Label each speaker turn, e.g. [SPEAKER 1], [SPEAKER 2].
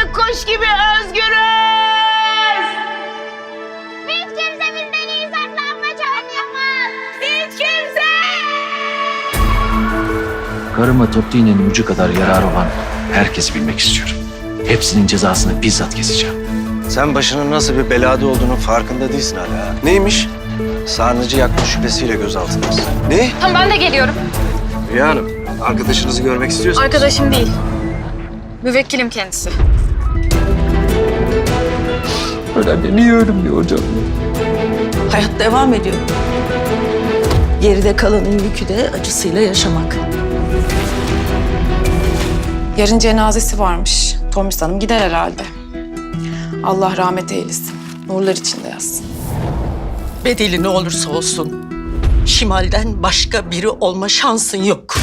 [SPEAKER 1] artık kuş gibi özgürüz. Hiç kimse bizden iyi saklanmaç oynayamaz. Hiç kimse.
[SPEAKER 2] Karıma toplu iğnenin ucu kadar yararı olan herkesi bilmek istiyorum. Hepsinin cezasını bizzat keseceğim.
[SPEAKER 3] Sen başının nasıl bir belada olduğunun farkında değilsin hala. Neymiş? Sarnıcı yakma şüphesiyle gözaltındasın. Ne?
[SPEAKER 4] Tamam ben de geliyorum.
[SPEAKER 3] Rüya Hanım, arkadaşınızı görmek istiyorsanız...
[SPEAKER 4] Arkadaşım değil. Müvekkilim kendisi.
[SPEAKER 2] Öyle niye ölüm hocam?
[SPEAKER 5] Hayat devam ediyor. Geride kalanın yükü de acısıyla yaşamak.
[SPEAKER 6] Yarın cenazesi varmış. Tomris Hanım gider herhalde. Allah rahmet eylesin. Nurlar içinde yatsın.
[SPEAKER 5] Bedeli ne olursa olsun Şimal'den başka biri olma şansın yok.